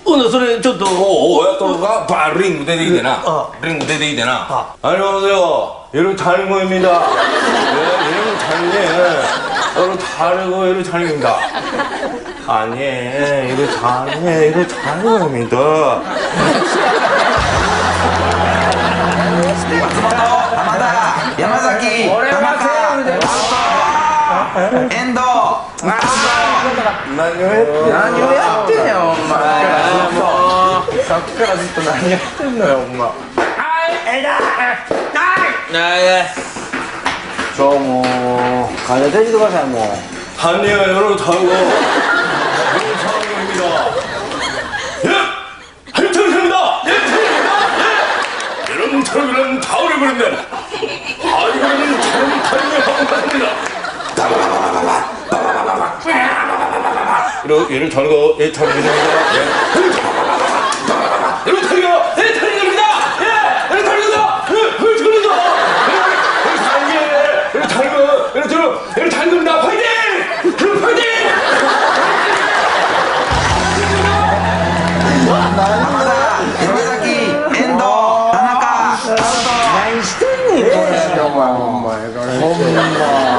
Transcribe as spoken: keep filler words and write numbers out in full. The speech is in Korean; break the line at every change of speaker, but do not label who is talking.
のそれちょっと
親とがバリングででいいでなリングででいいでな안녕하세요 여러분 장인공입니다 네 여러분 장인이에요 여러분 다르고 여러분 장인입니다 아니에요 여러분 장인이에요 여러분 장인입니다
松本浜田山崎田中遠藤
何をやって
何をやってんねんお前もうさっきからずっと何やってんのよお前
저 뭐 가자 돼지도 가자 뭐
아니에요 여러분 다르고 여러분 장인공입니다 예! 하여튼입니다 예! 예! 여러분 장인은 다 오래버렸네 아 이거는 잘못하는 방법입니다 이러, 얘를 자르고 얘 자르입니다 예. 여러분 자르가 얘 자르입니다 예! 얘를 자르다 얘를 자르다 얘를 자르게 얘를 자르고 얘를 자르고 얘를 자르입니다 파이팅! 여러분 파이팅!
浜田山崎遠藤田中
何してんねんこれお前ほんま